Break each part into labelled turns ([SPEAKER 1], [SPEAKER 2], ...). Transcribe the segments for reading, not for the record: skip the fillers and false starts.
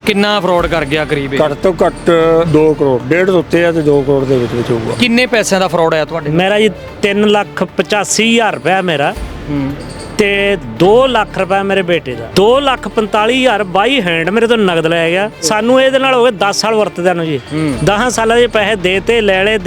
[SPEAKER 1] ਕਿੰਨਾ ਫਰਾਡ ਕਰ ਗਿਆ ਕਰੀਬ
[SPEAKER 2] ਘੱਟ ਤੋਂ ਘੱਟ 2 ਕਰੋੜ 1.5 ਤੋਂ ਉੱਤੇ ਆ ਤੇ 2 ਕਰੋੜ ਦੇ ਵਿੱਚ ਹੋਊਗਾ।
[SPEAKER 1] ਕਿੰਨੇ ਪੈਸਿਆਂ ਦਾ ਫਰਾਡ ਆਇਆ ਤੁਹਾਡੇ?
[SPEAKER 3] ਮੇਰਾ ਜੀ 3,85,000 ਰੁਪਇਆ ਮੇਰਾ ਤੇ 2 ਲੱਖ ਰੁਪਇਆ ਮੇਰੇ ਬੇਟੇ ਦਾ। 2,45,000 ਬਾਈ ਹੈਂਡ ਮੇਰੇ ਤੋਂ ਨਗਦ ਲੈ ਗਿਆ। ਸਾਨੂੰ ਇਹਦੇ ਨਾਲ ਹੋ ਗਏ 10 ਸਾਲ ਵਰਤਦਿਆਂ ਨੂੰ ਜੀ। 10 ਸਾਲਾਂ ਦੇ ਪੈਸੇ ਦੇਤੇ ਲੈ ਲਏ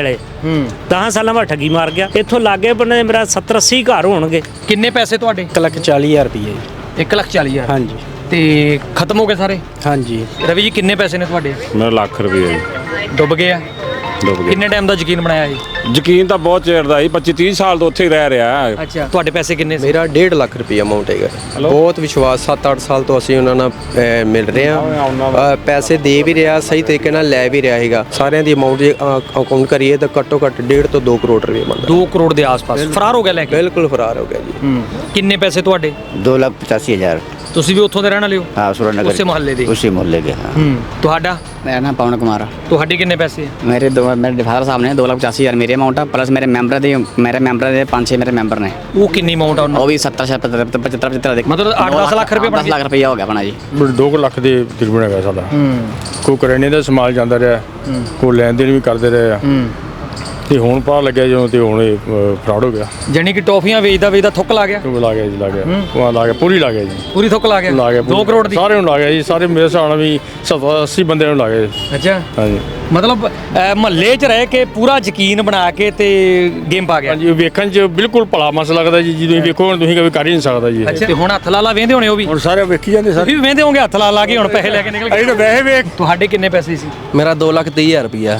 [SPEAKER 3] 10 ਸਾਲਾਂ ਬਾਅਦ ਠੱਗੀ ਮਾਰ ਗਿਆ। ਇੱਥੋਂ ਲਾਗੇ ਬੰਨੇ ਮੇਰਾ 70-80 ਘਰ ਹੋਣਗੇ।
[SPEAKER 1] ਕਿੰਨੇ ਪੈਸੇ ਤੁਹਾਡੇ?
[SPEAKER 4] 1,40,000 ਰੁਪਏ ਜੀ।
[SPEAKER 1] 1,40,000।
[SPEAKER 4] ਹਾਂਜੀ
[SPEAKER 1] ਤੇ ਖਤਮ ਹੋ ਗਏ ਸਾਰੇ?
[SPEAKER 4] ਹਾਂਜੀ।
[SPEAKER 1] ਰਵੀ ਜੀ ਕਿੰਨੇ ਪੈਸੇ ਨੇ ਤੁਹਾਡੇ?
[SPEAKER 5] ਮੇਰਾ ਲੱਖ ਰੁਪਏ ਜੀ
[SPEAKER 1] ਡੁੱਬ ਗਏ ਆ?
[SPEAKER 5] ਡੁੱਬ ਗਿਆ।
[SPEAKER 1] ਕਿੰਨੇ ਟਾਈਮ ਦਾ ਯਕੀਨ ਬਣਾਇਆ ਇਹ?
[SPEAKER 5] ਯਕੀਨ ਤਾਂ ਬਹੁਤ ਚਿਰ ਦਾ ਜੀ, 25-30 ਸਾਲ ਤੋਂ ਉੱਥੇ ਹੀ ਰਹਿ ਰਿਹਾ।
[SPEAKER 1] ਅੱਛਾ, ਤੁਹਾਡੇ ਪੈਸੇ ਕਿੰਨੇ ਸੀ?
[SPEAKER 6] ਮੇਰਾ 1.5 ਲੱਖ ਰੁਪਏ ਅਮਾਉਂਟ ਹੈਗਾ। ਬਹੁਤ ਵਿਸ਼ਵਾਸ 7-8 ਸਾਲ ਤੋਂ ਅਸੀਂ ਉਹਨਾਂ ਨਾਲ ਮਿਲ ਰਹੇ ਹਾਂ। ਪੈਸੇ ਦੇ ਵੀ ਰਿਹਾ, ਸਹੀ ਤਰੀਕੇ ਨਾਲ ਲੈ ਵੀ ਰਿਹਾ ਹੈਗਾ। ਸਾਰਿਆਂ ਦੀ ਅਮਾਉਂਟ ਜੇ ਅਕਾਊਂਟ ਕਰੀਏ ਤਾਂ ਘੱਟੋ ਘੱਟ 1.5 ਤੋਂ 2 ਕਰੋੜ ਰੁਪਏ ਬਣਦਾ।
[SPEAKER 1] 2 ਕਰੋੜ ਦੇ ਆਸ-ਪਾਸ ਫਰਾਰ ਹੋ ਗਿਆ ਲੈ ਕੇ?
[SPEAKER 6] ਬਿਲਕੁਲ ਫਰਾਰ ਹੋ ਗਿਆ ਜੀ।
[SPEAKER 1] ਕਿੰਨੇ ਪੈਸੇ ਤੁਹਾਡੇ?
[SPEAKER 7] 2,85,000।
[SPEAKER 1] ਤੁਸੀਂ ਵੀ ਉੱਥੋਂ ਦੇ ਰਹਿਣ ਵਾਲੇ ਹੋ?
[SPEAKER 7] हाँ सुरेंद्र
[SPEAKER 1] उसी मोहल्ले दे?
[SPEAKER 7] उसी मोहल्ले के हाँ।
[SPEAKER 1] ਤੁਹਾਡਾ?
[SPEAKER 4] ਮੇਰਾ ਨਾਮ ਪਵਨ ਕੁਮਾਰ ਆ।
[SPEAKER 1] ਤੁਹਾਡੇ ਕਿੰਨੇ ਪੈਸੇ?
[SPEAKER 4] ਮੇਰੇ ਫਾਦਰ ਸਾਹਿਬ ਨੇ 2,85,000 ਮੇਰੇ ਅਮਾਉਂਟ ਆ, ਪਲੱਸ ਮੇਰੇ ਮੈਂਬਰ ਦੇ 5-6 ਮੇਰੇ ਮੈਂਬਰ ਨੇ।
[SPEAKER 1] ਉਹ ਕਿੰਨੀ ਅਮਾਉਂਟ ਆ ਉਹਨਾਂ?
[SPEAKER 4] ਉਹ ਵੀ 70-75 ਦੇ
[SPEAKER 1] ਮਤਲਬ 8-10 ਲੱਖ ਰੁਪਏ ਬਣ
[SPEAKER 4] 10 ਲੱਖ ਰੁਪਇਆ ਹੋ ਗਿਆ ਆਪਣਾ ਜੀ।
[SPEAKER 2] 2 ਲੱਖ ਦੇ ਤਕਰੀਬਨ ਹੈਗਾ ਸਾਡਾ। ਕੋਈ ਕਰਿਆਨੇ ਦਾ ਸਮਾਨ ਜਾਂਦਾ ਰਿਹਾ, ਕੋਈ ਲੈਣ ਦੇਣ ਵੀ ਕਰਦੇ ਰਹੇ ਆ। ਤੇ ਹੁਣ ਪਤਾ ਲੱਗਿਆ ਜਦੋਂ ਤੇ ਹੁਣ ਇਹ ਫਰਾਡ ਹੋ ਗਿਆ।
[SPEAKER 1] ਜਾਨੀ ਕਿ ਟੌਫੀਆਂ ਵੇਚਦਾ ਥੁੱਕ ਲਾ ਗਿਆ?
[SPEAKER 2] ਲਾ ਗਿਆ ਜੀ, ਲਾ ਗਿਆ। ਉਹ ਲਾ ਗਿਆ, ਪੂਰੀ ਲਾ ਗਿਆ ਜੀ।
[SPEAKER 1] ਪੂਰੀ ਥੁੱਕ ਲਾ ਗਿਆ? 2 ਕਰੋੜ ਦੀ?
[SPEAKER 2] ਸਾਰੇ ਨੂੰ ਲਾ ਗਿਆ ਜੀ। ਸਾਰੇ ਮੇਰੇ ਹਿਸਾਬ ਨਾਲ ਵੀ 70-80 ਬੰਦਿਆਂ ਨੂੰ ਲਾ ਗਿਆ ਜੀ।
[SPEAKER 1] ਅੱਛਾ,
[SPEAKER 2] ਹਾਂਜੀ
[SPEAKER 1] ਮਤਲਬ ਮਹੱਲੇ 'ਚ ਰਹਿ ਕੇ ਪੂਰਾ ਯਕੀਨ ਬਣਾ ਕੇ ਤੇ ਗੇਮ ਪਾ ਗਿਆ।
[SPEAKER 2] ਹਾਂਜੀ, ਵੇਖਣ 'ਚ ਬਿਲਕੁਲ ਭਲਾ ਮਸ ਲੱਗਦਾ ਜੀ। ਜਦੋਂ ਵੇਖੋ ਹੁਣ ਤੁਸੀਂ ਕਦੇ ਕਰ ਹੀ ਨਹੀਂ ਸਕਦਾ ਜੀ।
[SPEAKER 1] ਅੱਛਾ, ਤੇ ਹੁਣ ਹੱਥ ਲਾ ਵੇਂਦੇ ਹੋਣੇ ਉਹ ਵੀ?
[SPEAKER 2] ਹੁਣ ਸਾਰੇ ਵੇਖੀ ਜਾਂਦੇ ਸਾਰੇ।
[SPEAKER 1] ਤੁਸੀਂ ਵੀ ਵੇਂਦੇ ਹੋਗੇ ਹੱਥ ਲਾ ਕੇ ਹੁਣ ਪੈਸੇ ਲੈ ਕੇ ਨਿਕਲ
[SPEAKER 2] ਅਸੀਂ ਤਾਂ ਵੈਸੇ ਵੇਖ।
[SPEAKER 1] ਤੁਹਾਡੇ ਕਿੰਨੇ ਪੈਸੇ ਸੀ?
[SPEAKER 6] ਮੇਰਾ 2,30,000 ਰੁਪਇਆ।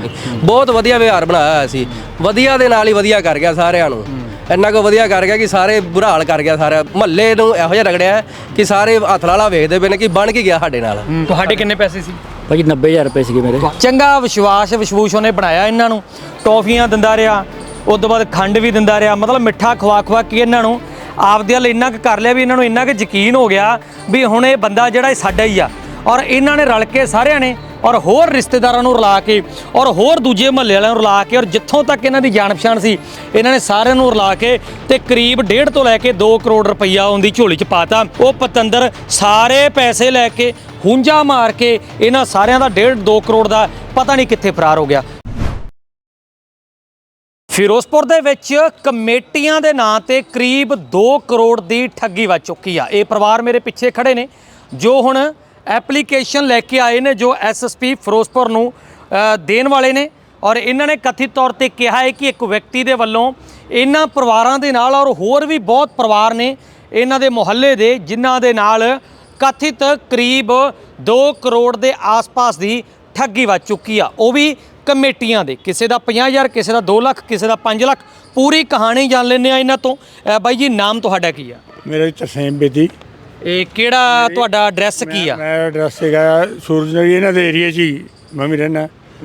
[SPEAKER 6] ਬਹੁਤ ਵਧੀਆ ਵਿਹਾਰ ਬਣਾਇਆ ਹੋਇਆ ਸੀ। ਵਧੀਆ ਦੇ ਨਾਲ ਹੀ ਵਧੀਆ ਕਰ ਗਿਆ ਸਾਰਿਆਂ ਨੂੰ। ਇੰਨਾ ਕੁ ਵਧੀਆ ਕਰ ਗਿਆ ਕਿ ਸਾਰੇ ਬੁਰਾ ਹਾਲ ਕਰ ਗਿਆ। ਸਾਰਾ ਮਹੱਲੇ ਨੂੰ ਇਹੋ ਜਿਹਾ ਰਗੜਿਆ ਕਿ ਸਾਰੇ ਹੱਥ ਲਾਲਾ ਵੇਖਦੇ ਪਏ ਨੇ ਕਿ ਬਣ ਕੇ ਗਿਆ ਸਾਡੇ ਨਾਲ।
[SPEAKER 1] ਤੁਹਾਡੇ ਕਿੰਨੇ ਪੈਸੇ ਸੀ?
[SPEAKER 4] ਭਾਜੀ 90,000 ਰੁਪਏ ਸੀਗੇ ਮੇਰੇ।
[SPEAKER 1] ਚੰਗਾ ਵਿਸ਼ਵਾਸ ਉਹਨੇ ਬਣਾਇਆ ਇਹਨਾਂ ਨੂੰ। ਟੌਫੀਆਂ ਦਿੰਦਾ ਰਿਹਾ, ਉਸ ਤੋਂ ਬਾਅਦ ਖੰਡ ਵੀ ਦਿੰਦਾ ਰਿਹਾ। ਮਤਲਬ ਮਿੱਠਾ ਖਵਾ ਕੇ ਇਹਨਾਂ ਨੂੰ ਆਪਦੇ ਵੱਲ ਇੰਨਾ ਕੁ ਕਰ ਲਿਆ ਵੀ ਇਹਨਾਂ ਨੂੰ ਇੰਨਾ ਕੁ ਯਕੀਨ ਹੋ ਗਿਆ ਵੀ ਹੁਣ ਇਹ ਬੰਦਾ ਜਿਹੜਾ ਇਹ ਸਾਡਾ ਹੀ ਆ। ਔਰ ਇਹਨਾਂ ਨੇ ਰਲ ਕੇ ਸਾਰਿਆਂ ਨੇ ਔਰ ਹੋਰ ਰਿਸ਼ਤੇਦਾਰਾਂ ਨੂੰ ਰਲਾ ਕੇ ਔਰ ਹੋਰ ਦੂਜੇ ਮਹੱਲੇ ਵਾਲਿਆਂ ਨੂੰ ਰਲਾ ਕੇ ਔਰ ਜਿੱਥੋਂ ਤੱਕ ਇਹਨਾਂ ਦੀ ਜਾਣ ਪਛਾਣ ਸੀ ਇਹਨਾਂ ਨੇ ਸਾਰਿਆਂ ਨੂੰ ਰਲਾ ਕੇ ਤੇ ਕਰੀਬ 1.5 ਤੋਂ ਲੈ ਕੇ 2 ਕਰੋੜ ਰੁਪਈਆ ਉਹਦੀ ਝੋਲੀ 'ਚ ਪਾਤਾ। ਉਹ ਪਤੰਦਰ ਸਾਰੇ ਪੈਸੇ ਲੈ ਕੇ ਹੁੰਜਾ ਮਾਰ ਕੇ ਇਹਨਾਂ ਸਾਰਿਆਂ ਦਾ 1.5-2 ਕਰੋੜ ਦਾ ਪਤਾ ਨਹੀਂ ਕਿੱਥੇ ਫਰਾਰ ਹੋ ਗਿਆ। ਫਿਰੋਜ਼ਪੁਰ ਦੇ ਵਿੱਚ ਕਮੇਟੀਆਂ ਦੇ ਨਾਂ ਤੇ ਕਰੀਬ 2 ਕਰੋੜ ਦੀ ਠੱਗੀ ਵੱਜ ਚੁੱਕੀ ਆ। ਇਹ ਪਰਿਵਾਰ ਮੇਰੇ ਪਿੱਛੇ ਖੜੇ ਨੇ ਜੋ ਹੁਣ ਐਪਲੀਕੇਸ਼ਨ ਲੈ ਕੇ ਆਏ ਨੇ ਜੋ ਐਸਐਸਪੀ ਫਿਰੋਜ਼ਪੁਰ ਨੂੰ ਦੇਣ ਵਾਲੇ ਨੇ। ਔਰ ਇਹਨਾਂ ਨੇ ਕਥਿਤ ਤੌਰ ਤੇ ਕਿਹਾ ਹੈ ਕਿ ਇੱਕ ਵਿਅਕਤੀ ਦੇ ਵੱਲੋਂ ਇਹਨਾਂ ਪਰਿਵਾਰਾਂ ਦੇ ਨਾਲ ਔਰ ਹੋਰ ਵੀ ਬਹੁਤ ਪਰਿਵਾਰ ਨੇ ਇਹਨਾਂ ਦੇ ਮੁਹੱਲੇ ਦੇ ਜਿਨ੍ਹਾਂ ਦੇ ਨਾਲ ਕਥਿਤ ਕਰੀਬ 2 ਕਰੋੜ ਦੇ ਆਸ-ਪਾਸ ਦੀ ਠੱਗੀ ਵੱਜ ਚੁੱਕੀ ਆ। ਉਹ ਵੀ ਕਮੇਟੀਆਂ ਦੇ, ਕਿਸੇ ਦਾ 50,000, ਕਿਸੇ ਦਾ 2 ਲੱਖ, ਕਿਸੇ ਦਾ 5 ਲੱਖ। ਪੂਰੀ ਕਹਾਣੀ ਜਾਣ ਲੈਂਦੇ ਆ ਇਹਨਾਂ ਤੋਂ। ਬਾਈ ਜੀ, ਨਾਮ ਤੁਹਾਡਾ ਕੀ ਆ?
[SPEAKER 2] ਮੇਰਾ ਤਰਸੇਮ ਬੇਦੀ।
[SPEAKER 1] ਇਹ ਕਿਹੜਾ ਤੁਹਾਡਾ ਐਡਰੈਸ ਕੀ ਆ?
[SPEAKER 2] ਮੇਰਾ ਐਡਰੈਸ ਹੈਗਾ ਸੂਰਜ ਨਗਰ, ਇਹਨਾਂ ਦੇ ਏਰੀਆ 'ਚ ਹੀ ਮੈਂ ਵੀ ਰਹਿੰਦਾ।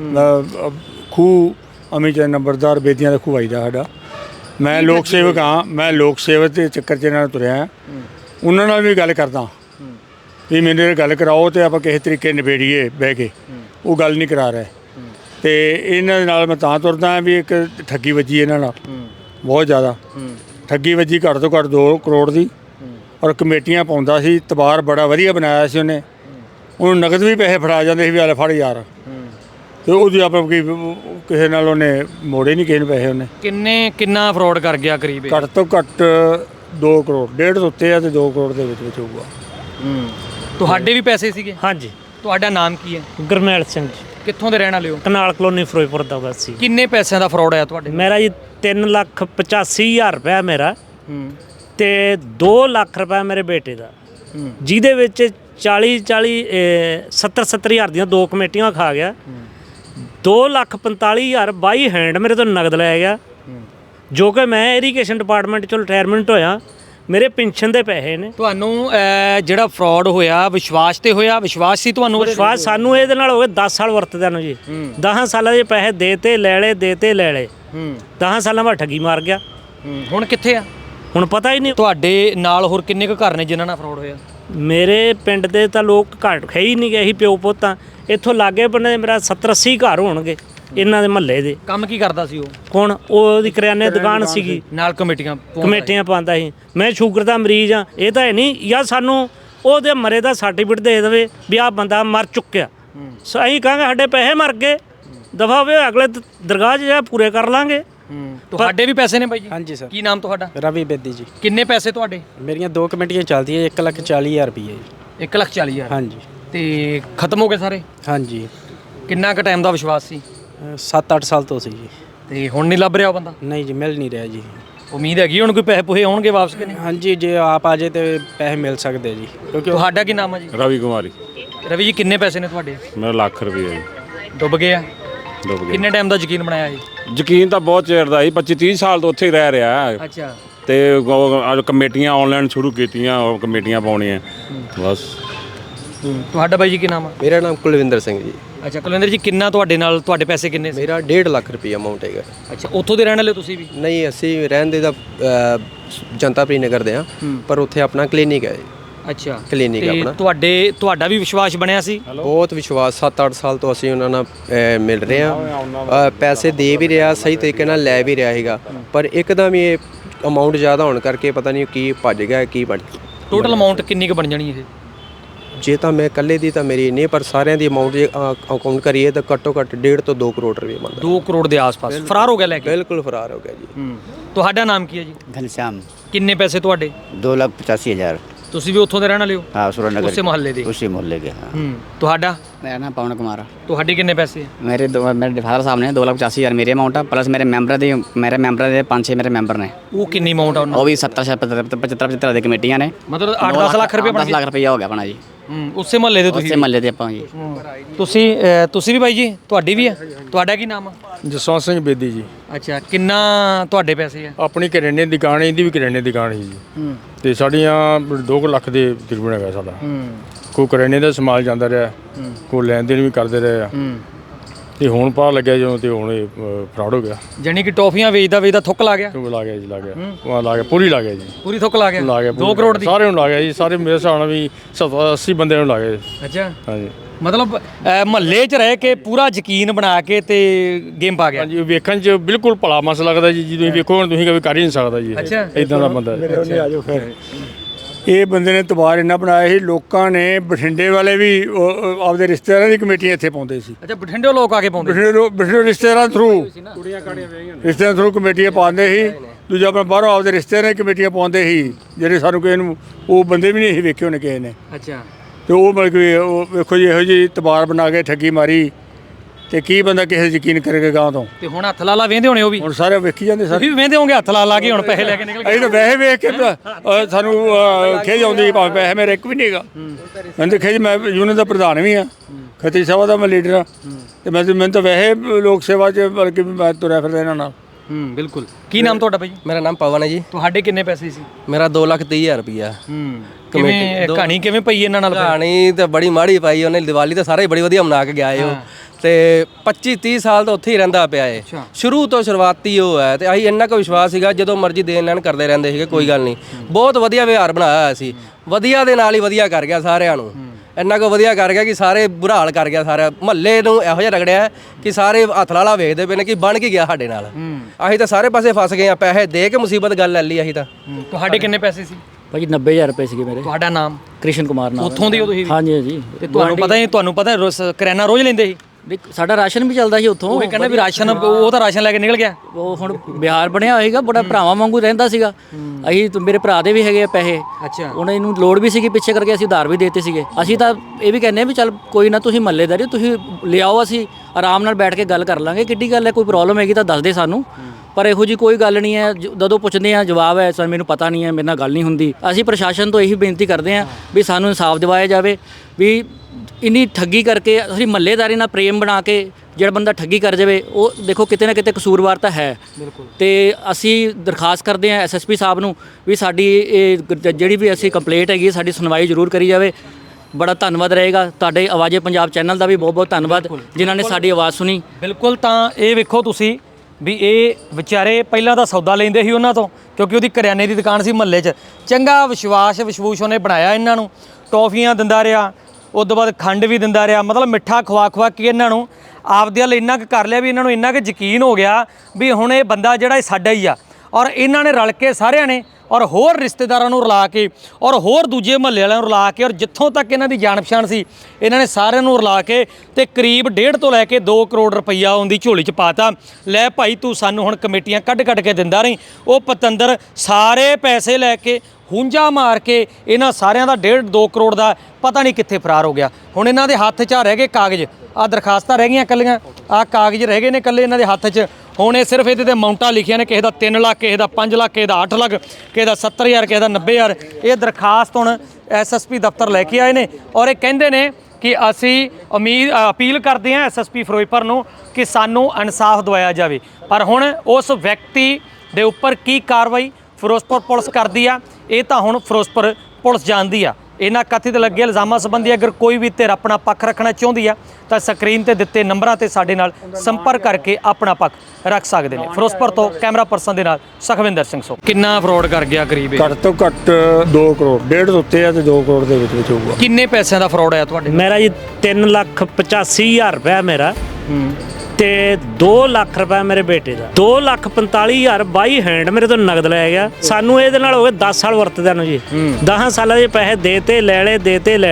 [SPEAKER 2] ਖੂਹ ਅਮੀ ਚੰਦ ਨੰਬਰਦਾਰ ਬੇਦੀਆਂ ਦਾ ਖੂਹ ਆਈਦਾ ਸਾਡਾ। ਮੈਂ ਲੋਕ ਸੇਵਕ ਹਾਂ। ਮੈਂ ਲੋਕ ਸੇਵਕ ਦੇ ਚੱਕਰ 'ਚ ਇਹਨਾਂ ਨਾਲ ਤੁਰਿਆ। ਉਹਨਾਂ ਨਾਲ ਵੀ ਗੱਲ ਕਰਦਾ ਵੀ ਮੇਰੇ ਨਾਲ ਗੱਲ ਕਰਾਓ ਤੇ ਆਪਾਂ ਕਿਸੇ ਤਰੀਕੇ ਨਿਬੇੜੀਏ ਬਹਿ ਕੇ। ਉਹ ਗੱਲ ਨਹੀਂ ਕਰਾ ਰਹੇ ਤੇ ਇਹਨਾਂ ਦੇ ਨਾਲ ਮੈਂ ਤਾਂ ਤੁਰਦਾ ਵੀ ਇੱਕ ਠੱਗੀ ਵੱਜੀ ਇਹਨਾਂ ਨਾਲ, ਬਹੁਤ ਜ਼ਿਆਦਾ ਠੱਗੀ ਵੱਜੀ। ਘੱਟ ਤੋਂ ਘੱਟ 2 ਕਰੋੜ ਦੀ। ਔਰ ਕਮੇਟੀਆਂ ਪਾਉਂਦਾ ਸੀ। ਤਬਾਰ ਬੜਾ ਵਧੀਆ ਬਣਾਇਆ ਸੀ ਉਹਨੇ। ਉਹਨੂੰ ਨਗਦ ਵੀ ਪੈਸੇ ਫੜਾ ਜਾਂਦੇ ਸੀ ਵੀ ਆਲੇ ਫੜ ਯਾਰ। ਤੇ ਉਹਦੀ ਆਪਾਂ ਕਿਸੇ ਨਾਲ ਉਹਨੇ ਮੋੜੇ ਨਹੀਂ ਕਿਸੇ ਨੂੰ ਪੈਸੇ। ਉਹਨੇ
[SPEAKER 1] ਕਿੰਨਾ ਫਰਾਡ ਕਰ ਗਿਆ ਕਰੀਬ?
[SPEAKER 2] ਘੱਟ ਤੋਂ ਘੱਟ 2 ਕਰੋੜ 1.5 ਤੋਂ ਉੱਤੇ ਆ ਤੇ 2 ਕਰੋੜ ਦੇ ਵਿੱਚ ਹੋਊਗਾ।
[SPEAKER 1] ਤੁਹਾਡੇ ਵੀ ਪੈਸੇ ਸੀਗੇ?
[SPEAKER 3] ਹਾਂਜੀ।
[SPEAKER 1] ਤੁਹਾਡਾ ਨਾਮ ਕੀ ਹੈ?
[SPEAKER 3] ਗੁਰਮੇਲ ਸਿੰਘ ਜੀ।
[SPEAKER 1] ਕਿੱਥੋਂ ਦੇ ਰਹਿਣ ਵਾਲੇ ਹੋ?
[SPEAKER 3] ਕਨਾਲ ਕਲੋਨੀ ਫਿਰੋਜ਼ਪੁਰ ਦਾ ਵਾਸੀ।
[SPEAKER 1] ਕਿੰਨੇ ਪੈਸਿਆਂ ਦਾ ਫਰਾਡ ਆਇਆ ਤੁਹਾਡੇ?
[SPEAKER 3] ਮੇਰਾ ਜੀ 3,85,000 ਰੁਪਇਆ ਮੇਰਾ ਤੇ 2 ਲੱਖ ਰੁਪਇਆ ਮੇਰੇ ਬੇਟੇ ਦਾ, ਜਿਹਦੇ ਵਿੱਚ 70-70 ਹਜ਼ਾਰ ਦੀਆਂ 2 ਕਮੇਟੀਆਂ ਖਾ ਗਿਆ। 2,45,000 ਬਾਈ ਹੈਂਡ ਮੇਰੇ ਤੋਂ ਨਗਦ ਲੈ ਗਿਆ, ਜੋ ਕਿ ਮੈਂ ਇਰੀਗੇਸ਼ਨ ਡਿਪਾਰਟਮੈਂਟ ਚੋਂ ਰਿਟਾਇਰਮੈਂਟ ਹੋਇਆ। ਮੇਰੇ ਪੈਨਸ਼ਨ ਦੇ ਪੈਸੇ ਨੇ। ਤੁਹਾਨੂੰ ਜਿਹੜਾ ਫਰਾਡ ਹੋਇਆ ਵਿਸ਼ਵਾਸ ਤੇ ਹੋਇਆ? ਵਿਸ਼ਵਾਸ ਸੀ ਤੁਹਾਨੂੰ? ਵਿਸ਼ਵਾਸ ਸਾਨੂੰ ਇਹਦੇ ਨਾਲ ਹੋ ਗਏ 10 ਸਾਲ ਵਰਤਦਿਆਂ ਨੂੰ ਜੀ। 10 ਸਾਲਾਂ ਦੇ ਪੈਸੇ ਦੇਤੇ ਲੈ ਲਏ 10 ਸਾਲਾਂ ਬਾਅਦ ਠੱਗੀ ਮਾਰ ਗਿਆ।
[SPEAKER 1] ਹੁਣ ਕਿੱਥੇ ਆ?
[SPEAKER 3] ਹੁਣ ਪਤਾ ਹੀ ਨਹੀਂ।
[SPEAKER 1] ਤੁਹਾਡੇ ਨਾਲ ਹੋਰ ਕਿੰਨੇ ਕੁ ਘਰ ਨੇ ਜਿਨ੍ਹਾਂ ਨਾਲ ਫਰਾਡ ਹੋਇਆ?
[SPEAKER 3] ਮੇਰੇ ਪਿੰਡ ਦੇ ਤਾਂ ਲੋਕ ਘੱਟ ਹੈ ਹੀ ਨਹੀਂ ਗਏ ਸੀ। ਪਿਓ ਪੁੱਤਾਂ ਇੱਥੋਂ ਲਾਗੇ ਬੰਨੇ ਮੇਰਾ 70-80 ਘਰ ਹੋਣਗੇ ਇਹਨਾਂ ਦੇ ਮਹੱਲੇ ਦੇ।
[SPEAKER 1] ਕੰਮ ਕੀ ਕਰਦਾ ਸੀ ਉਹ?
[SPEAKER 3] ਕੌਣ? ਉਹਦੀ ਕਰਿਆਨੇ ਦੀ ਦੁਕਾਨ ਸੀਗੀ।
[SPEAKER 1] ਨਾਲ ਕਮੇਟੀਆਂ
[SPEAKER 3] ਪਾਉਂਦਾ ਸੀ। ਮੈਂ ਸ਼ੂਗਰ ਦਾ ਮਰੀਜ਼ ਆ। ਇਹ ਤਾਂ ਹੈ ਨਹੀਂ ਯਾਰ ਸਾਨੂੰ ਉਹਦੇ ਮਰੇ ਦਾ ਸਰਟੀਫਿਕੇਟ ਦੇ ਦੇਵੇ ਵੀ ਆਹ ਬੰਦਾ ਮਰ ਚੁੱਕਿਆ। ਸੋ ਅਸੀਂ ਕਹਾਂਗੇ ਸਾਡੇ ਪੈਸੇ ਮਰ ਗਏ, ਦਫਾ ਹੋਵੇ, ਅਗਲੇ ਦਰਗਾਹ 'ਚ ਜਾ ਪੂਰੇ ਕਰ ਲਾਂਗੇ।
[SPEAKER 1] ਤੁਹਾਡੇ ਵੀ ਪੈਸੇ ਨੇ ਬਾਈ ਜੀ?
[SPEAKER 8] ਹਾਂਜੀ ਸਰ।
[SPEAKER 1] ਕੀ ਨਾਮ ਤੁਹਾਡਾ?
[SPEAKER 8] ਰਵੀ ਬੇਦੀ ਜੀ।
[SPEAKER 1] ਕਿੰਨੇ ਪੈਸੇ ਤੁਹਾਡੇ?
[SPEAKER 8] ਮੇਰੀਆਂ 2 ਕਮੇਟੀਆਂ ਚੱਲਦੀਆਂ, 1,40,000 ਰੁਪਏ ਜੀ।
[SPEAKER 1] 1,40,000?
[SPEAKER 8] ਹਾਂਜੀ।
[SPEAKER 1] ਤੇ ਖਤਮ ਹੋ ਗਏ ਸਾਰੇ?
[SPEAKER 8] ਹਾਂਜੀ।
[SPEAKER 1] ਕਿੰਨਾ ਕੁ ਟਾਈਮ ਦਾ ਵਿਸ਼ਵਾਸ ਸੀ?
[SPEAKER 8] 7-8 ਸਾਲ ਤੋਂ ਸੀ ਜੀ।
[SPEAKER 1] ਤੇ ਹੁਣ ਨਹੀਂ ਲੱਭ ਰਿਹਾ ਉਹ ਬੰਦਾ?
[SPEAKER 8] ਨਹੀਂ ਜੀ, ਮਿਲ ਨਹੀਂ ਰਿਹਾ ਜੀ।
[SPEAKER 1] ਉਮੀਦ ਹੈਗੀ ਹੁਣ ਕੋਈ ਪੈਸੇ ਪੂਹੇ ਆਉਣਗੇ ਵਾਪਸ ਕਿ ਨਹੀਂ?
[SPEAKER 8] ਹਾਂਜੀ, ਜੇ ਆਪ ਆ ਜੇ ਤੇ ਪੈਸੇ ਮਿਲ ਸਕਦੇ ਜੀ, ਕਿਉਂਕਿ
[SPEAKER 1] ਤੁਹਾਡਾ ਕੀ ਨਾਮ ਹੈ ਜੀ?
[SPEAKER 5] ਰਵੀ ਕੁਮਾਰੀ।
[SPEAKER 1] ਰਵੀ ਜੀ ਕਿੰਨੇ ਪੈਸੇ ਨੇ ਤੁਹਾਡੇ?
[SPEAKER 5] ਮੇਰਾ ਲੱਖ ਰੁਪਏ ਜੀ
[SPEAKER 1] ਡੁੱਬ ਗਏ ਆ?
[SPEAKER 5] ਡੁੱਬ ਗਿਆ।
[SPEAKER 1] ਕਿੰਨੇ ਟਾਈਮ ਦਾ ਯਕੀਨ ਬਣਾਇਆ ਜੀ?
[SPEAKER 5] ਯਕੀਨ ਤਾਂ ਬਹੁਤ ਚਿਰ ਦਾ ਜੀ, 25-30 ਸਾਲ ਤੋਂ ਉੱਥੇ ਹੀ ਰਹਿ ਰਿਹਾ।
[SPEAKER 1] ਅੱਛਾ।
[SPEAKER 5] ਤੇ ਕਮੇਟੀਆਂ ਆਨਲਾਈਨ ਸ਼ੁਰੂ ਕੀਤੀਆਂ, ਉਹ ਕਮੇਟੀਆਂ ਪਾਉਣੀਆਂ ਬਸ।
[SPEAKER 1] ਤੁਹਾਡਾ ਬਾਈ ਜੀ ਕੀ ਨਾਮ ਹੈ?
[SPEAKER 6] ਮੇਰਾ ਨਾਮ ਕੁਲਵਿੰਦਰ ਸਿੰਘ ਜੀ।
[SPEAKER 1] ਅੱਛਾ ਕੁਲਵਿੰਦਰ ਜੀ, ਕਿੰਨਾ ਤੁਹਾਡੇ ਨਾਲ, ਤੁਹਾਡੇ ਪੈਸੇ ਕਿੰਨੇ ਸੀ?
[SPEAKER 6] ਮੇਰਾ 1.5 ਲੱਖ ਰੁਪਏ ਅਮਾਉਂਟ ਹੈਗਾ।
[SPEAKER 1] ਅੱਛਾ, ਉੱਥੋਂ ਦੇ ਰਹਿਣ ਵਾਲੇ ਤੁਸੀਂ ਵੀ?
[SPEAKER 6] ਨਹੀਂ, ਅਸੀਂ ਰਹਿੰਦੇ ਦਾ ਜਨਤਾ ਪ੍ਰੀ ਨਗਰ ਦੇ ਆ, ਪਰ ਉੱਥੇ ਆਪਣਾ ਕਲੀਨਿਕ ਹੈ।
[SPEAKER 1] ਅੱਛਾ,
[SPEAKER 6] ਕਲੀਨਿਕ ਆਪਣਾ।
[SPEAKER 1] ਤੁਹਾਡਾ ਵੀ ਵਿਸ਼ਵਾਸ ਬਣਿਆ ਸੀ?
[SPEAKER 6] ਬਹੁਤ ਵਿਸ਼ਵਾਸ, 7-8 ਸਾਲ ਤੋਂ ਅਸੀਂ ਉਹਨਾਂ ਨਾਲ ਮਿਲ ਰਹੇ ਆ, ਪੈਸੇ ਦੇ ਵੀ ਰਿਹਾ, ਸਹੀ ਤਰੀਕੇ ਨਾਲ ਲੈ ਵੀ ਰਿਹਾ ਹੈਗਾ, ਪਰ ਇੱਕਦਮ ਇਹ ਅਮਾਉਂਟ ਜ਼ਿਆਦਾ ਹੋਣ ਕਰਕੇ ਪਤਾ ਨਹੀਂ ਕੀ ਭੱਜ ਗਿਆ, ਕੀ ਬਣ ਗਿਆ।
[SPEAKER 1] ਟੋਟਲ ਅਮਾਉਂਟ ਕਿੰਨੀ ਕੁ ਬਣ ਜਾਣੀ ਇਹ?
[SPEAKER 6] ਜੇ ਤਾਂ ਮੈਂ ਇਕੱਲੇ ਦੀ ਤਾਂ ਮੇਰੀ ਨਹੀਂ, ਪਰ ਸਾਰਿਆਂ ਦੀ ਅਮਾਉਂਟ ਜੇ ਅਕਾਊਂਟ ਕਰੀਏ ਤਾਂ ਘੱਟੋ ਘੱਟ 1.5 ਤੋਂ 2 ਕਰੋੜ ਰੁਪਏ ਬਣਦਾ।
[SPEAKER 1] 2 ਕਰੋੜ ਦੇ ਆਸ-ਪਾਸ ਫਰਾਰ ਹੋ ਗਿਆ ਲੈ ਕੇ?
[SPEAKER 6] ਬਿਲਕੁਲ ਫਰਾਰ ਹੋ ਗਿਆ ਜੀ।
[SPEAKER 1] ਤੁਹਾਡਾ ਨਾਮ ਕੀ ਹੈ ਜੀ?
[SPEAKER 7] घनश्याम।
[SPEAKER 1] ਕਿੰਨੇ ਪੈਸੇ ਤੁਹਾਡੇ?
[SPEAKER 7] 2,85,000।
[SPEAKER 1] ਤੁਸੀਂ ਵੀ ਉੱਥੋਂ ਦੇ ਰਹਿਣ ਵਾਲੇ ਹੋ?
[SPEAKER 7] हाँ, सुरेंद्र
[SPEAKER 1] ਉਸੇ ਮੁਹੱਲੇ ਦੇ?
[SPEAKER 7] उसी मोहल्ले के। हाँ।
[SPEAKER 1] ਤੁਹਾਡਾ?
[SPEAKER 4] मेरा नाम पवन कुमार है।
[SPEAKER 1] ਤੁਹਾਡੇ ਕਿੰਨੇ ਪੈਸੇ?
[SPEAKER 4] मेरे फादर साहब ने 2,85,000 मेरी अमाउंट है, प्लस मेरे मैंबर दे 5-6 मेरे मैंबर ने,
[SPEAKER 1] ਉਹ ਕਿੰਨੀ ਅਮਾਉਂਟ ਆ ਉਹਨਾਂ
[SPEAKER 4] वो भी 70-75 दी कमेटियां ने।
[SPEAKER 1] ਮਤਲਬ 8-10 ਲੱਖ ਰੁਪਏ ਬਣ
[SPEAKER 4] 10 लाख रुपया हो गया अपना जी।
[SPEAKER 1] ਉਸੇ ਮੁਹੱਲੇ ਦੇ ਤੁਸੀਂ?
[SPEAKER 4] उससे मल्ले दे ਆਪਾਂ जी।
[SPEAKER 1] ਤੁਸੀਂ ਵੀ ਬਾਈ ਜੀ? ਤੁਹਾਡੀ ਵੀ ਹੈ? ਤੁਹਾਡਾ ਕੀ ਨਾਮ ਆ?
[SPEAKER 2] ਜਸਵੰਤ ਸਿੰਘ ਬੇਦੀ ਜੀ।
[SPEAKER 1] ਅੱਛਾ, ਕਿੰਨਾ ਤੁਹਾਡੇ ਪੈਸੇ ਆ?
[SPEAKER 2] ਆਪਣੀ ਕਰਿਆਨੇ ਦੀ ਦੁਕਾਨ, ਇਹਦੀ ਵੀ ਕਰਿਆਨੇ ਦੀ ਦੁਕਾਨ ਸੀ ਜੀ। ਤੇ ਸਾਡੀਆਂ 2 ਲੱਖ ਦੇ ਤਕਰੀਬਨ ਹੈਗਾ ਸਾਡਾ। ਕੋਈ ਕਰਿਆਨੇ ਦਾ ਸਮਾਨ ਜਾਂਦਾ ਰਿਹਾ, ਕੋਈ ਲੈਣ ਦੇਣ ਵੀ ਕਰਦੇ ਰਹੇ ਆ। ਤੇ ਹੁਣ ਪਤਾ ਲੱਗਿਆ ਜਦੋਂ, ਤੇ ਹੁਣ ਇਹ ਫਰਾਡ ਹੋ ਗਿਆ।
[SPEAKER 1] ਜਾਨੀ ਕਿ ਟੌਫੀਆਂ ਵੇਚਦਾ ਥੁੱਕ ਲਾ ਗਿਆ?
[SPEAKER 2] ਕਿਉਂ ਲਾ ਗਿਆ ਜੀ, ਲਾ ਗਿਆ। ਉਹ ਲਾ ਗਿਆ, ਪੂਰੀ ਲਾ ਗਿਆ ਜੀ।
[SPEAKER 1] ਪੂਰੀ ਥੁੱਕ ਲਾ ਗਿਆ?
[SPEAKER 2] ਲਾ ਗਿਆ
[SPEAKER 1] 2 ਕਰੋੜ ਦੀ?
[SPEAKER 2] ਸਾਰੇ ਨੂੰ ਲਾ ਗਿਆ ਜੀ, ਸਾਰੇ ਮੇਰੇ ਹਿਸਾਬ ਨਾਲ ਵੀ 70-80 ਬੰਦੇ ਨੂੰ ਲਾ ਗਿਆ ਜੀ।
[SPEAKER 1] ਅੱਛਾ,
[SPEAKER 2] ਹਾਂਜੀ।
[SPEAKER 1] ਮਤਲਬ ਮਹੱਲੇ 'ਚ ਰਹਿ ਕੇ ਪੂਰਾ ਯਕੀਨ ਬਣਾ ਕੇ ਤੇ ਗੇਮ ਪਾ ਗਿਆ?
[SPEAKER 2] ਹਾਂਜੀ, ਵੇਖਣ 'ਚ ਬਿਲਕੁਲ ਭਲਾ ਮਸ ਲੱਗਦਾ ਜੀ। ਜਦੋਂ ਵੇਖੋ ਹੁਣ ਤੁਸੀਂ ਕਦੇ ਕਰ ਹੀ ਨਹੀਂ ਸਕਦਾ ਜੀ।
[SPEAKER 1] ਅੱਛਾ।
[SPEAKER 2] ਇਦਾਂ ਦਾ ਬੰਦਾ। ਇਹ ਬੰਦੇ ਨੇ ਤਬਾਰ ਇੰਨਾ ਬਣਾਇਆ ਸੀ, ਲੋਕਾਂ ਨੇ ਬਠਿੰਡੇ ਵਾਲੇ ਵੀ ਆਪਦੇ ਰਿਸ਼ਤੇਦਾਰਾਂ ਦੀ ਕਮੇਟੀਆਂ ਇੱਥੇ ਪਾਉਂਦੇ ਸੀ।
[SPEAKER 1] ਅੱਛਾ, ਬਠਿੰਡੇ ਲੋਕ ਆ ਕੇ ਪਾਉਂਦੇ?
[SPEAKER 2] ਬਠਿੰਡੇ ਰਿਸ਼ਤੇਦਾਰਾਂ ਥਰੂ ਕਮੇਟੀਆਂ ਪਾਉਂਦੇ ਸੀ। ਦੂਜਾ ਆਪਣਾ ਬਾਹਰੋਂ ਆਪਦੇ ਰਿਸ਼ਤੇਦਾਰਾਂ ਦੀ ਕਮੇਟੀਆਂ ਪਾਉਂਦੇ ਸੀ, ਜਿਹੜੇ ਸਾਨੂੰ ਕਿਸੇ ਨੂੰ ਉਹ ਬੰਦੇ ਵੀ ਨਹੀਂ ਸੀ ਵੇਖੇ ਹੋਣੇ ਕਿਸੇ ਨੇ।
[SPEAKER 1] ਅੱਛਾ।
[SPEAKER 2] ਤੇ ਉਹ ਮਤਲਬ ਕਿ ਉਹ ਵੇਖੋ ਜੀ, ਇਹੋ ਜਿਹੀ ਤਬਾਰ ਬਣਾ ਕੇ ਠੱਗੀ ਮਾਰੀ, ਤੇ ਕੀ ਬੰਦਾ ਕਿਸੇ ਯਕੀਨ ਕਰੇਗਾ ਗਾਂ ਤੋਂ।
[SPEAKER 1] ਤੇ ਹੁਣ ਹੱਥ ਲਾ ਵੇਂਦੇ ਹੋਣੇ ਉਹ ਵੀ?
[SPEAKER 2] ਹੁਣ ਸਾਰੇ ਵੇਖੀ ਜਾਂਦੇ ਸਾਰੇ।
[SPEAKER 1] ਤੁਸੀਂ ਵੀ ਵੇਂਦੇ ਹੋਗੇ ਹੱਥ ਲਾ ਕੇ ਹੁਣ ਪੈਸੇ ਲੈ ਕੇ ਨਿਕਲ ਗਏ?
[SPEAKER 2] ਅਸੀਂ ਤਾਂ ਵੈਸੇ ਵੇਖ ਕੇ ਸਾਨੂੰ ਖਿਝ ਆਉਂਦੀ, ਭਾਵੇਂ ਪੈਸੇ ਮੇਰੇ ਇੱਕ ਵੀ ਨਹੀਂ ਹੈਗਾ। ਮੈਨੂੰ ਤਾਂ ਖਿਝ, ਮੈਂ ਯੂਨੀਅਨ ਦਾ ਪ੍ਰਧਾਨ ਵੀ ਆ, ਖੱਤਰੀ ਸਭਾ ਦਾ ਮੈਂ ਲੀਡਰ ਆ, ਤੇ ਮੈਨੂੰ ਤਾਂ ਵੈਸੇ ਲੋਕ ਸੇਵਾ 'ਚ ਬਲਕਿ ਮੈਂ ਤੁਰਿਆ ਫਿਰਦਾ ਇਹਨਾਂ ਨਾਲ।
[SPEAKER 1] ਬਿਲਕੁਲ। ਕੀ ਨਾਮ ਤੁਹਾਡਾ ਭਾਈ?
[SPEAKER 6] ਮੇਰਾ ਨਾਮ ਪਵਨ ਹੈ ਜੀ।
[SPEAKER 1] ਤੁਹਾਡੇ ਕਿੰਨੇ ਪੈਸੇ ਸੀ?
[SPEAKER 6] ਮੇਰਾ 2,30,000 ਰੁਪਇਆ।
[SPEAKER 1] ਕਿਵੇਂ ਕਹਾਣੀ ਕਿਵੇਂ ਪਈ ਇਹਨਾਂ ਨਾਲ?
[SPEAKER 6] ਕਹਾਣੀ ਤਾਂ ਬੜੀ ਮਾੜੀ ਪਾਈ ਉਹਨੇ। ਦੀਵਾਲੀ ਤਾਂ ਸਾਰੇ ਬੜੀ ਵਧੀਆ ਮਨਾ ਕੇ ਗਿਆ ਏ ਉਹ, ਤੇ 25-30 ਸਾਲ ਤੋਂ ਉੱਥੇ ਹੀ ਰਹਿੰਦਾ ਪਿਆ ਏ। ਸ਼ੁਰੂ ਤੋਂ ਸ਼ੁਰੂਆਤੀ ਉਹ ਹੈ, ਤੇ ਅਸੀਂ ਇੰਨਾ ਕੁ ਵਿਸ਼ਵਾਸ ਸੀਗਾ, ਜਦੋਂ ਮਰਜ਼ੀ ਦੇਣ ਲੈਣ ਕਰਦੇ ਰਹਿੰਦੇ ਸੀਗੇ, ਕੋਈ ਗੱਲ ਨਹੀਂ। ਬਹੁਤ ਵਧੀਆ ਵਿਹਾਰ ਬਣਾਇਆ ਹੋਇਆ ਸੀ, ਵਧੀਆ ਦੇ ਨਾਲ ਹੀ ਵਧੀਆ ਕਰ ਗਿਆ ਸਾਰਿਆਂ ਨੂੰ। ਇੰਨਾ ਕੁ ਵਧੀਆ ਕਰ ਗਿਆ ਕਿ ਸਾਰੇ ਬੁਰਾ ਹਾਲ ਕਰ ਗਿਆ, ਸਾਰਾ ਮਹੱਲੇ ਨੂੰ ਇਹੋ ਜਿਹਾ ਰਗੜਿਆ ਕਿ ਸਾਰੇ ਹੱਥ ਲਾਲਾ ਵੇਖਦੇ ਪਏ ਨੇ ਕਿ ਬਣ ਕੇ ਗਿਆ ਸਾਡੇ ਨਾਲ। ਅਸੀਂ ਤਾਂ ਸਾਰੇ ਪਾਸੇ ਫਸ ਗਏ ਆ, ਪੈਸੇ ਦੇ ਕੇ ਮੁਸੀਬਤ ਗੱਲ ਲੈ ਲਈ ਅਸੀਂ ਤਾਂ।
[SPEAKER 1] ਤੁਹਾਡੇ ਕਿੰਨੇ ਪੈਸੇ ਸੀ?
[SPEAKER 9] ਭਾਜੀ 90,000 ਰੁਪਏ ਸੀਗੇ ਮੇਰੇ।
[SPEAKER 1] ਤੁਹਾਡਾ ਨਾਮ?
[SPEAKER 9] ਕ੍ਰਿਸ਼ਨ ਕੁਮਾਰ ਨਾਮ।
[SPEAKER 1] ਉੱਥੋਂ ਦੇ ਹੋ ਤੁਸੀਂ?
[SPEAKER 9] ਹਾਂਜੀ ਹਾਂਜੀ।
[SPEAKER 1] ਤੇ ਤੁਹਾਨੂੰ ਪਤਾ ਕਰਿਆਨਾ ਰੋਜ਼ ਲੈਂਦੇ ਸੀ?
[SPEAKER 9] ਸਾਡਾ ਰਾਸ਼ਨ ਵੀ ਚੱਲਦਾ ਸੀ ਉੱਥੋਂ।
[SPEAKER 1] ਉਹ ਕਹਿੰਦਾ ਵੀ ਰਾਸ਼ਨ, ਉਹ ਤਾਂ ਰਾਸ਼ਨ ਲੈ ਕੇ ਨਿਕਲ ਗਿਆ।
[SPEAKER 9] ਉਹ ਹੁਣ ਬਿਹਾਰ ਬਣਿਆ ਹੋਏਗਾ, ਬੜਾ ਭਰਾਵਾਂ ਵਾਂਗੂ ਰਹਿੰਦਾ ਸੀਗਾ। ਅਸੀਂ ਮੇਰੇ ਭਰਾ ਦੇ ਵੀ ਹੈਗੇ ਆ ਪੈਸੇ।
[SPEAKER 1] ਅੱਛਾ।
[SPEAKER 9] ਉਹਨਾਂ ਨੂੰ ਲੋੜ ਵੀ ਸੀਗੀ ਪਿੱਛੇ ਕਰਕੇ, ਅਸੀਂ ਉਧਾਰ ਵੀ ਦੇਤੇ ਸੀਗੇ। ਅਸੀਂ ਤਾਂ ਇਹ ਵੀ ਕਹਿੰਦੇ ਆ ਵੀ ਚੱਲ ਕੋਈ ਨਾ, ਤੁਸੀਂ ਮਹੱਲੇਦਾਰੀ ਤੁਸੀਂ ਲਿਆਓ, ਅਸੀਂ ਆਰਾਮ ਨਾਲ ਬੈਠ ਕੇ ਗੱਲ ਕਰ ਲਾਂਗੇ। ਕਿੱਡੀ ਗੱਲ ਹੈ, ਕੋਈ ਪ੍ਰੋਬਲਮ ਹੈਗੀ ਤਾਂ ਦੱਸ ਦੇ ਸਾਨੂੰ। ਪਰ ਇਹੋ ਜੀ ਕੋਈ ਗੱਲ ਨਹੀਂ ਹੈ। ਜਦੋਂ ਪੁੱਛਦੇ ਆ ਜਵਾਬ ਹੈ ਸਰ ਮੈਨੂੰ ਪਤਾ ਨਹੀਂ ਹੈ, ਮੇਰੇ ਨਾਲ ਗੱਲ ਨਹੀਂ ਹੁੰਦੀ। ਅਸੀਂ ਪ੍ਰਸ਼ਾਸਨ ਤੋਂ ਇਹੀ ਬੇਨਤੀ ਕਰਦੇ ਹਾਂ ਵੀ ਸਾਨੂੰ ਇਨਸਾਫ ਦਿਵਾਇਆ ਜਾਵੇ, ਵੀ ਇੰਨੀ ਠੱਗੀ ਕਰਕੇ ਅਸੀਂ ਮਹੱਲੇਦਾਰੀ ਨਾਲ ਪ੍ਰੇਮ ਬਣਾ ਕੇ ਜਿਹੜਾ ਬੰਦਾ ਠੱਗੀ ਕਰ ਜਾਵੇ, ਉਹ ਦੇਖੋ ਕਿਤੇ ਨਾ ਕਿਤੇ ਕਸੂਰਵਾਰ ਤਾਂ ਹੈ। ਤੇ ਅਸੀਂ ਦਰਖਾਸਤ ਕਰਦੇ ਹਾਂ ਐਸਐਸਪੀ ਸਾਹਿਬ ਨੂੰ ਵੀ ਸਾਡੀ ਇਹ ਜਿਹੜੀ ਵੀ ਅਸੀਂ ਕੰਪਲੇਂਟ ਹੈਗੀ ਸਾਡੀ ਸੁਣਵਾਈ ਜ਼ਰੂਰ ਕਰੀ ਜਾਵੇ। ਬੜਾ ਧੰਨਵਾਦ ਰਹੇਗਾ ਤੁਹਾਡੇ ਆਵਾਜ਼ੇ ਪੰਜਾਬ ਚੈਨਲ ਦਾ ਵੀ ਬਹੁਤ ਬਹੁਤ ਧੰਨਵਾਦ ਜਿਨ੍ਹਾਂ ਨੇ ਸਾਡੀ ਆਵਾਜ਼ ਸੁਣੀ।
[SPEAKER 1] ਬਿਲਕੁਲ। ਤਾਂ ਇਹ ਵੇਖੋ ਤੁਸੀਂ ਵੀ ਇਹ ਵਿਚਾਰੇ ਪਹਿਲਾਂ ਤਾਂ ਸੌਦਾ ਲੈਂਦੇ ਸੀ ਉਹਨਾਂ ਤੋਂ, ਕਿਉਂਕਿ ਉਹਦੀ ਕਰਿਆਨੇ ਦੀ ਦੁਕਾਨ ਸੀ ਮਹੱਲੇ 'ਚ। ਚੰਗਾ ਵਿਸ਼ਵਾਸ ਉਹਨੇ ਬਣਾਇਆ ਇਹਨਾਂ ਨੂੰ, ਟੌਫੀਆਂ ਦਿੰਦਾ ਰਿਹਾ, ਉਸ ਤੋਂ ਬਾਅਦ ਖੰਡ ਵੀ ਦਿੰਦਾ ਰਿਹਾ, ਮਤਲਬ ਮਿੱਠਾ ਖਵਾ ਕੇ ਇਹਨਾਂ ਨੂੰ ਆਪਦੇ ਵੱਲ ਇੰਨਾ ਕੁ ਕਰ ਲਿਆ ਵੀ ਇਹਨਾਂ ਨੂੰ ਇੰਨਾ ਕੁ ਯਕੀਨ ਹੋ ਗਿਆ ਵੀ ਹੁਣ ਇਹ ਬੰਦਾ ਜਿਹੜਾ ਇਹ ਸਾਡਾ ਹੀ ਆ। ਔਰ ਇਹਨਾਂ ਨੇ ਰਲ ਕੇ ਸਾਰਿਆਂ ਨੇ ਔਰ ਹੋਰ ਰਿਸ਼ਤੇਦਾਰਾਂ ਨੂੰ ਰਲਾ ਕੇ ਔਰ ਹੋਰ ਦੂਜੇ ਮਹੱਲੇ ਵਾਲਿਆਂ ਨੂੰ ਰਲਾ ਕੇ ਔਰ ਜਿੱਥੋਂ ਤੱਕ ਇਹਨਾਂ ਦੀ ਜਾਣ ਪਛਾਣ ਸੀ ਇਹਨਾਂ ਨੇ ਸਾਰਿਆਂ ਨੂੰ ਰਲਾ ਕੇ ਤੇ ਕਰੀਬ 1.5 ਤੋਂ ਲੈ ਕੇ 2 ਕਰੋੜ ਰੁਪਈਆ ਉਹਦੀ ਝੋਲੀ 'ਚ ਪਾਤਾ। ਲੈ ਭਾਈ ਤੂੰ ਸਾਨੂੰ ਹੁਣ ਕਮੇਟੀਆਂ ਕੱਢ ਕੇ ਦਿੰਦਾ ਰਹੀ। ਉਹ ਪਤੰਦਰ ਸਾਰੇ ਪੈਸੇ ਲੈ ਕੇ ਹੁੰਜਾ ਮਾਰ ਕੇ ਇਹਨਾਂ ਸਾਰਿਆਂ ਦਾ 1.5-2 ਕਰੋੜ ਦਾ ਪਤਾ ਨਹੀਂ ਕਿੱਥੇ ਫਰਾਰ ਹੋ ਗਿਆ। ਹੁਣ ਇਹਨਾਂ ਦੇ ਹੱਥ 'ਚ ਰਹਿ ਗਏ ਕਾਗਜ਼, ਆ ਦਰਖਾਸਤਾਂ ਰਹਿ ਗਈਆਂ ਇਕੱਲੀਆਂ, ਆ ਕਾਗਜ਼ ਰਹਿ ਗਏ ਨੇ ਇਕੱਲੇ ਇਹਨਾਂ ਦੇ ਹੱਥ 'ਚ। ਹੁਣ ਇਹ ਸਿਰਫ ਇਹਦੇ ਤੇ ਅਮਾਊਂਟਾਂ ਲਿਖੀਆਂ ਨੇ, ਕਿਸੇ ਦਾ 3 ਲੱਖ, ਕਿਸੇ ਦਾ 5 ਲੱਖ, ਕਿਸੇ ਦਾ 8 ਲੱਖ, ਕਿਸੇ ਦਾ 70,000, ਕਿਸੇ ਦਾ 90,000। ਇਹ ਦਰਖਾਸਤ ਹੁਣ SSP ਦਫ਼ਤਰ ਲੈ ਕੇ ਆਏ ਨੇ ਔਰ ਇਹ ਕਹਿੰਦੇ ਨੇ ਕਿ ਅਸੀਂ ਅਪੀਲ ਕਰਦੇ ਹਾਂ SSP ਫਿਰੋਜ਼ਪੁਰ ਨੂੰ ਕਿ ਸਾਨੂੰ ਇਨਸਾਫ ਦਿਵਾਇਆ ਜਾਵੇ। ਪਰ ਹੁਣ ਉਸ ਵਿਅਕਤੀ ਦੇ ਉੱਪਰ ਕੀ ਕਾਰਵਾਈ ਫਿਰੋਜ਼ਪੁਰ ਪੁਲਿਸ ਕਰਦੀ ਆ ਇਹ ਤਾਂ ਹੁਣ ਫਿਰੋਜ਼ਪੁਰ ਪੁਲਿਸ ਜਾਣਦੀ ਆ। ਇਹਨਾਂ ਕਥਿਤ ਲੱਗੇ ਇਲਜ਼ਾਮਾਂ ਸੰਬੰਧੀ ਅਗਰ ਕੋਈ ਵੀ ਧਿਰ ਆਪਣਾ ਪੱਖ ਰੱਖਣਾ ਚਾਹੁੰਦੀ ਆ ਤਾਂ ਸਕਰੀਨ ਤੇ ਦਿੱਤੇ ਨੰਬਰਾਂ ਤੇ ਸਾਡੇ ਨਾਲ ਸੰਪਰਕ ਕਰਕੇ ਆਪਣਾ ਪੱਖ ਰੱਖ ਸਕਦੇ ਨੇ। ਫਿਰੋਜ਼ਪੁਰ ਤੋਂ ਕੈਮਰਾ ਪਰਸਨ ਦੇ ਨਾਲ ਸੁਖਵਿੰਦਰ ਸਿੰਘ ਸੋ। ਕਿੰਨਾ ਫਰਾਡ ਕਰ ਗਿਆ ਕਰੀਬ?
[SPEAKER 2] ਘੱਟ ਤੋਂ ਘੱਟ 2 ਕਰੋੜ, 1.5 ਤੋਂ ਉੱਤੇ ਆ ਤੇ 2 ਕਰੋੜ ਦੇ ਵਿੱਚ ਹੋਊਗਾ।
[SPEAKER 1] ਕਿੰਨੇ ਪੈਸਿਆਂ ਦਾ ਫਰਾਡ ਆਇਆ ਤੁਹਾਡੇ?
[SPEAKER 3] ਮੇਰਾ ਜੀ 3,85,000 ਰੁਪਇਆ ਮੇਰਾ ਤੇ 2 ਲੱਖ ਰੁਪਇਆ ਮੇਰੇ ਬੇਟੇ ਦਾ। 2,45,000 ਬਾਈ ਹੈਂਡ ਮੇਰੇ ਤੋਂ ਨਗਦ ਲੈ ਗਿਆ। ਸਾਨੂੰ ਇਹਦੇ ਨਾਲ ਹੋ ਗਏ 10 ਸਾਲ ਵਰਤਦਿਆਂ ਨੂੰ ਜੀ। 10 ਸਾਲਾਂ ਦੇ ਪੈਸੇ ਦੇਤੇ ਲੈ ਲਏ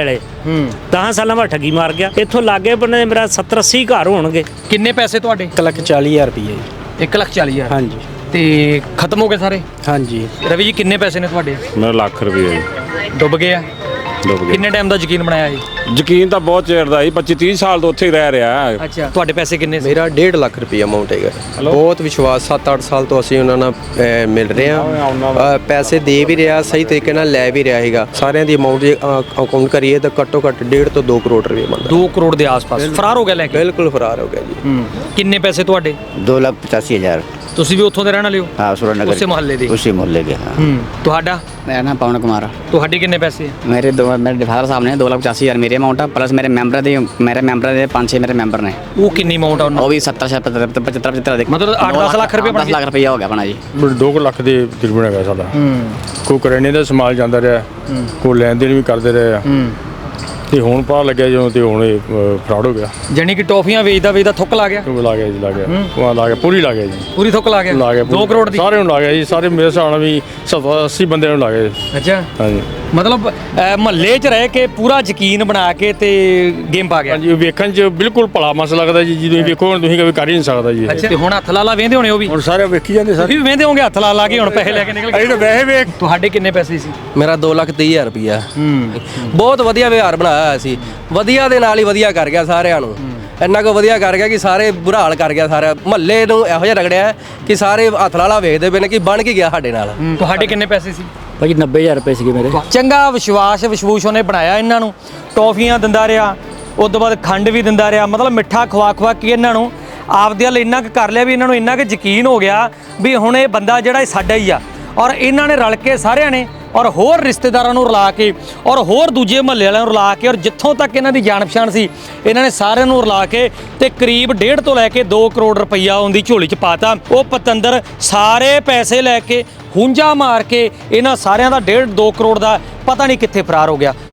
[SPEAKER 3] 10 ਸਾਲਾਂ ਬਾਅਦ ਠੱਗੀ ਮਾਰ ਗਿਆ। ਇੱਥੋਂ ਲਾਗੇ ਬੰਨੇ ਮੇਰਾ 70-80 ਘਰ ਹੋਣਗੇ।
[SPEAKER 1] ਕਿੰਨੇ ਪੈਸੇ ਤੁਹਾਡੇ?
[SPEAKER 8] 1,40,000 ਰੁਪਏ ਜੀ।
[SPEAKER 1] 1,40,000?
[SPEAKER 8] ਹਾਂਜੀ।
[SPEAKER 1] ਤੇ ਖਤਮ ਹੋ ਗਏ ਸਾਰੇ?
[SPEAKER 8] ਹਾਂਜੀ।
[SPEAKER 1] ਰਵੀ ਜੀ ਕਿੰਨੇ ਪੈਸੇ ਨੇ ਤੁਹਾਡੇ?
[SPEAKER 5] ਮੇਰਾ ਲੱਖ ਰੁਪਏ ਜੀ
[SPEAKER 1] ਡੁੱਬ ਗਏ ਆ?
[SPEAKER 5] ਡੁੱਬ ਗਏ।
[SPEAKER 1] ਕਿੰਨੇ ਟਾਈਮ ਦਾ ਯਕੀਨ ਬਣਾਇਆ ਇਹ?
[SPEAKER 5] ਯਕੀਨ ਤਾਂ ਬਹੁਤ ਚਿਰ ਦਾ ਜੀ, 25-30 ਸਾਲ ਤੋਂ ਉੱਥੇ ਹੀ ਰਹਿ ਰਿਹਾ।
[SPEAKER 1] ਅੱਛਾ, ਤੁਹਾਡੇ ਪੈਸੇ ਕਿੰਨੇ ਸੀ?
[SPEAKER 6] ਮੇਰਾ 1.5 ਲੱਖ ਰੁਪਏ ਅਮਾਉਂਟ ਹੈਗਾ। ਬਹੁਤ ਵਿਸ਼ਵਾਸ, 7-8 ਸਾਲ ਤੋਂ ਅਸੀਂ ਉਹਨਾਂ ਨਾਲ ਮਿਲ ਰਹੇ ਹਾਂ। ਪੈਸੇ ਦੇ ਵੀ ਰਿਹਾ, ਸਹੀ ਤਰੀਕੇ ਨਾਲ ਲੈ ਵੀ ਰਿਹਾ ਹੈਗਾ। ਸਾਰਿਆਂ ਦੀ ਅਮਾਉਂਟ ਜੇ ਅਕਾਊਂਟ ਕਰੀਏ ਤਾਂ ਘੱਟੋ ਘੱਟ 1.5 ਤੋਂ 2 ਕਰੋੜ ਰੁਪਏ ਬਣਦਾ।
[SPEAKER 1] 2 ਕਰੋੜ ਦੇ ਆਸ-ਪਾਸ ਫਰਾਰ ਹੋ ਗਿਆ ਲੈ ਕੇ?
[SPEAKER 6] ਬਿਲਕੁਲ ਫਰਾਰ ਹੋ ਗਿਆ ਜੀ।
[SPEAKER 1] ਕਿੰਨੇ ਪੈਸੇ ਤੁਹਾਡੇ?
[SPEAKER 7] 2,85,000।
[SPEAKER 1] ਤੁਸੀਂ ਵੀ ਉੱਥੋਂ ਦੇ ਰਹਿਣ ਵਾਲੇ ਹੋ?
[SPEAKER 7] हाँ सुरेंद्रनगर
[SPEAKER 1] ਉਸੇ ਮੁਹੱਲੇ ਦੇ?
[SPEAKER 7] उसी मोहल्ले के। हाँ।
[SPEAKER 1] ਤੁਹਾਡਾ?
[SPEAKER 4] मेरा नाम पवन कुमार।
[SPEAKER 1] ਤੁਹਾਡੇ ਕਿੰਨੇ ਪੈਸੇ?
[SPEAKER 4] मेरे फादर साहब ने 2,85,000 मेरे अमाउंट है, प्लस मेरे मैंबर दे 5-6 मेरे मैंबर ने।
[SPEAKER 1] ਉਹ ਕਿੰਨੀ ਅਮਾਉਂਟ ਆ ਉਹਨਾਂ?
[SPEAKER 4] वो भी 70-75
[SPEAKER 1] ਮਤਲਬ 8-10 ਲੱਖ ਰੁਪਏ ਬਣ
[SPEAKER 4] 10 ਲੱਖ ਰੁਪਇਆ ਹੋ ਗਿਆ ਬਣਾ ਜੀ।
[SPEAKER 2] 2 ਲੱਖ ਦੇ ਤਕਰੀਬਨ ਹੈਗਾ ਸਾਡਾ। ਕੋਈ ਕਰਿਆਨੇ ਦਾ ਸਮਾਨ ਜਾਂਦਾ ਰਿਹਾ, ਕੋਈ ਲੈਣ ਦੇਣ ਵੀ ਕਰਦੇ ਰਹੇ ਆ। ਤੇ ਹੁਣ ਪਤਾ ਲੱਗਿਆ ਜਦੋਂ ਤੇ ਹੁਣ ਇਹ ਫਰਾਡ ਹੋ ਗਿਆ।
[SPEAKER 1] ਜਾਨੀ ਕਿ ਟੌਫੀਆਂ ਵੇਚਦਾ ਥੁੱਕ ਲਾ ਗਿਆ?
[SPEAKER 2] ਲਾ ਗਿਆ ਜੀ, ਲਾ ਗਿਆ। ਉਹ ਲਾ ਗਿਆ, ਪੂਰੀ ਲਾ ਗਿਆ ਜੀ।
[SPEAKER 1] ਪੂਰੀ ਥੁੱਕ ਲਾ ਗਿਆ? 2 ਕਰੋੜ ਦੀ?
[SPEAKER 2] ਸਾਰੇ ਨੂੰ ਲਾ ਗਿਆ ਜੀ, ਸਾਰੇ ਮੇਰੇ ਹਿਸਾਬ ਨਾਲ ਵੀ 80 ਬੰਦਿਆਂ ਨੂੰ ਲਾ ਗਿਆ ਜੀ।
[SPEAKER 1] ਅੱਛਾ।
[SPEAKER 2] ਹਾਂਜੀ।
[SPEAKER 1] ਮਤਲਬ ਮਹੱਲੇ 'ਚ ਰਹਿ ਕੇ ਪੂਰਾ ਯਕੀਨ ਬਣਾ ਕੇ ਤੇ ਗੇਮ ਪਾ ਗਿਆ?
[SPEAKER 2] ਹਾਂਜੀ, ਵੇਖਣ 'ਚ ਬਿਲਕੁਲ ਭਲਾ ਮਸ ਲੱਗਦਾ ਜੀ। ਜਦੋਂ ਵੇਖੋ ਹੁਣ ਤੁਸੀਂ ਕਦੇ ਕਰ ਹੀ ਨਹੀਂ ਸਕਦਾ ਜੀ।
[SPEAKER 1] ਅੱਛਾ, ਤੇ ਹੁਣ ਹੱਥ ਲਾ ਵੇਂਦੇ ਹੋਣੇ ਉਹ ਵੀ?
[SPEAKER 2] ਹੁਣ ਸਾਰੇ ਵੇਖੀ ਜਾਂਦੇ ਸਾਰੇ।
[SPEAKER 1] ਤੁਸੀਂ ਵੀ ਵੇਂਦੇ ਹੋਗੇ ਹੱਥ ਲਾ ਕੇ ਹੁਣ ਪੈਸੇ ਲੈ ਕੇ ਨਿਕਲ ਗਏ?
[SPEAKER 2] ਅਸੀਂ ਤਾਂ ਵੈਸੇ ਵੇਖ।
[SPEAKER 1] ਤੁਹਾਡੇ ਕਿੰਨੇ ਪੈਸੇ ਸੀ?
[SPEAKER 6] ਮੇਰਾ 2,30,000 ਰੁਪਇਆ। ਬਹੁਤ ਵਧੀਆ ਵਿਹਾਰ ਬਣਾਇਆ ਹੋਇਆ ਸੀ। ਵਧੀਆ ਦੇ ਨਾਲ ਹੀ ਵਧੀਆ ਕਰ ਗਿਆ ਸਾਰਿਆਂ ਨੂੰ। ਇੰਨਾ ਕੁ ਵਧੀਆ ਕਰ ਗਿਆ ਕਿ ਸਾਰੇ ਬੁਰਾ ਹਾਲ ਕਰ ਗਿਆ। ਸਾਰਾ ਮਹੱਲੇ ਨੂੰ ਇਹੋ ਜਿਹਾ ਰਗੜਿਆ ਕਿ ਸਾਰੇ ਹੱਥ ਲਾਲਾ ਵੇਖਦੇ ਪਏ ਨੇ ਕਿ ਬਣ ਕੇ ਗਿਆ ਸਾਡੇ ਨਾਲ।
[SPEAKER 1] ਤੁਹਾਡੇ ਕਿੰਨੇ ਪੈਸੇ ਸੀ?
[SPEAKER 9] ਭਾਜੀ 90,000 ਰੁਪਏ ਸੀਗੇ ਮੇਰੇ।
[SPEAKER 1] ਚੰਗਾ ਵਿਸ਼ਵਾਸ ਉਹਨੇ ਬਣਾਇਆ ਇਹਨਾਂ ਨੂੰ, ਟੌਫੀਆਂ ਦਿੰਦਾ ਰਿਹਾ, ਉਸ ਤੋਂ ਬਾਅਦ ਖੰਡ ਵੀ ਦਿੰਦਾ ਰਿਹਾ। ਮਤਲਬ ਮਿੱਠਾ ਖਵਾ ਕੇ ਇਹਨਾਂ ਨੂੰ ਆਪਦੇ ਵੱਲ ਇੰਨਾ ਕੁ ਕਰ ਲਿਆ ਵੀ ਇਹਨਾਂ ਨੂੰ ਇੰਨਾ ਕੁ ਯਕੀਨ ਹੋ ਗਿਆ ਵੀ ਹੁਣ ਇਹ ਬੰਦਾ ਜਿਹੜਾ ਇਹ ਸਾਡਾ ਹੀ ਆ। ਔਰ ਇਹਨਾਂ ਨੇ ਰਲ ਕੇ ਸਾਰਿਆਂ ਨੇ ਔਰ ਹੋਰ ਰਿਸ਼ਤੇਦਾਰਾਂ ਨੂੰ ਰਲਾ ਕੇ ਔਰ ਹੋਰ ਦੂਜੇ ਮਹੱਲੇ ਵਾਲਿਆਂ ਨੂੰ ਰਲਾ ਕੇ ਔਰ ਜਿੱਥੋਂ ਤੱਕ ਇਹਨਾਂ ਦੀ ਜਾਣ ਪਛਾਣ ਸੀ ਇਹਨਾਂ ਨੇ ਸਾਰਿਆਂ ਨੂੰ ਰਲਾ ਕੇ ਤੇ ਕਰੀਬ 1.5 ਤੋਂ ਲੈ ਕੇ 2 ਕਰੋੜ ਰੁਪਈਆ ਉਹਦੀ ਝੋਲੀ 'ਚ ਪਾਤਾ। ਉਹ ਪਤੰਦਰ ਸਾਰੇ ਪੈਸੇ ਲੈ ਕੇ ਹੁੰਜਾ ਮਾਰ ਕੇ ਇਹਨਾਂ ਸਾਰਿਆਂ ਦਾ 1.5-2 ਕਰੋੜ ਦਾ ਪਤਾ ਨਹੀਂ ਕਿੱਥੇ ਫਰਾਰ ਹੋ ਗਿਆ।